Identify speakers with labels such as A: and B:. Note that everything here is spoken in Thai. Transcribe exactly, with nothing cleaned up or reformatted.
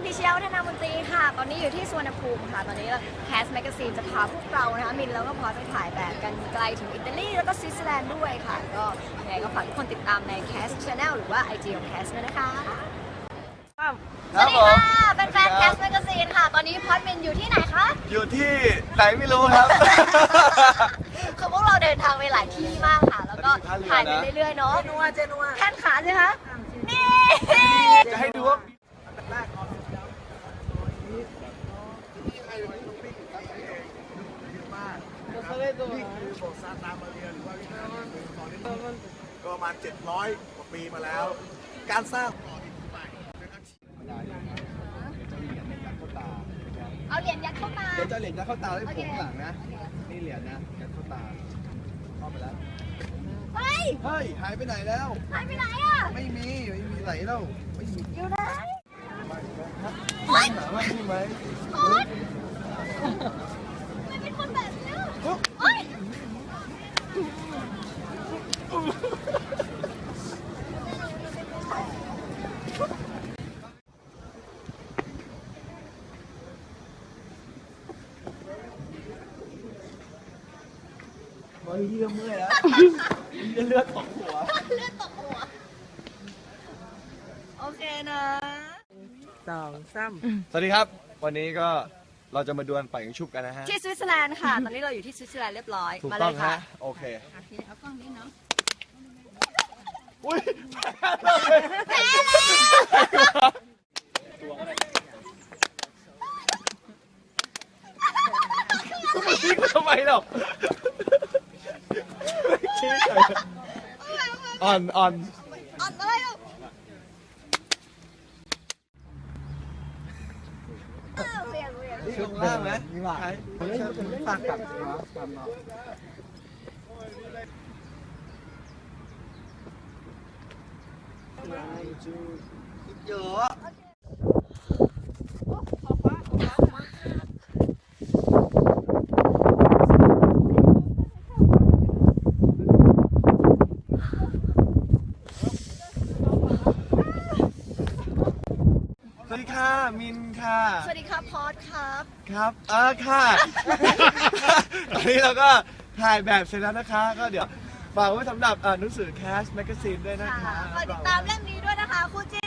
A: พิชยาวัฒนามนตรีค่ะตอนนี้อยู่ที่สุวรรณภูมิค่ะตอนนี้แคสแมกกาซีนจะพาพวกเรานะคะมินแล้วก็พอไปถ่ายแบบกันไกลถึงอิตาลีแล้วก็สวิตเซอร์แลนด์ด้วยค่ะก็ยังไงก็ฝากทุกคนติดตามในแคสชาแนลหรือว่า ไอ จี ของแคสด้วยนะคะสวัสดีค่ะเป็นแฟนแคสแมกกาซีนค่ะตอนนี้พอดมินอยู่ที่ไหนคะ
B: อยู่ที่ไหนไม่รู้ครับ
A: คือพวกเราเดินทางไปหลายที่มากค่ะแล้วก็ถ่ายไปเรื่อยๆเนาะ
C: เจนัวเจนัว
A: แท่นขาใช่ไหมคะนี่
B: จะให้ดูว่านี่คือโบสถ์ซานตามาเรียหรือว่าวิหารหนึ่งตอนนี้ก็ประมาณเจ็ดร้อยกว่าปีมาแล้ว การสร้างต่อที่ใหม่นะครับ
A: เอาเหรียญยัดเข้ามา
B: เดี๋ยวจะเหรียญยัดเข้าตาให้ผมข้างหลังนะ นี่เหรียญนะยัดเข้าตาเข้าไปแล้ว
A: เฮ้ย
B: เฮ้ย หายไปไหนแล้ว
A: หายไปไหนอ่ะ
B: ไม่มี ไม่มีไหนแล้ว ไม่มี
A: อยู่ไหน
B: เฮ้ยหาว่ามีไหม
A: โอ๊ยไม่เป็นคนแบบนี้โอ๊ย
B: เฮ้ยเริ่มเมื่อยแล้วเลือดตกหัว
A: เลือดตกหัว โอเคนะ
C: สองสาม
B: สวัสดีครับ วันนี้ก็เราจะมาดวลป่ายิงชุบกันนะฮะ
A: ที่สวิตเซอร์แลนด์ค่ะ ตอนนี้เราอยู่ที่สวิตเซอร์แลนด์เรียบร้อย
B: ถูก
A: มา
B: ต้
A: เล
B: อง
A: ยค่ะ
B: ฮะ โอเค
A: เอากล้องนี้เนาะ
B: อุ้ย
A: แพ้แล้ว
B: ทิ้งทำไมหรอชี้เฉยอ่อนอ่อน
A: อ่อนเลยอ่ะเออเวียนเวียน
B: ชุดล่างไหมมีหวานฝากกับเยอะ สวัสดีค่ะ มินค่ะ
A: สวัสดีครับพอดครับ
B: ครับเออค่ะ ตอนนี้เราก็ถ่ายแบบเสร็จแล้วนะคะ ก็เดี๋ยวฝากไว้สำหรับอ่านหนังสือ Cast Magazine ด้วยนะคะ
A: ฝากติดตามเรื่องนี้ด้วยนะคะคู่จิ้น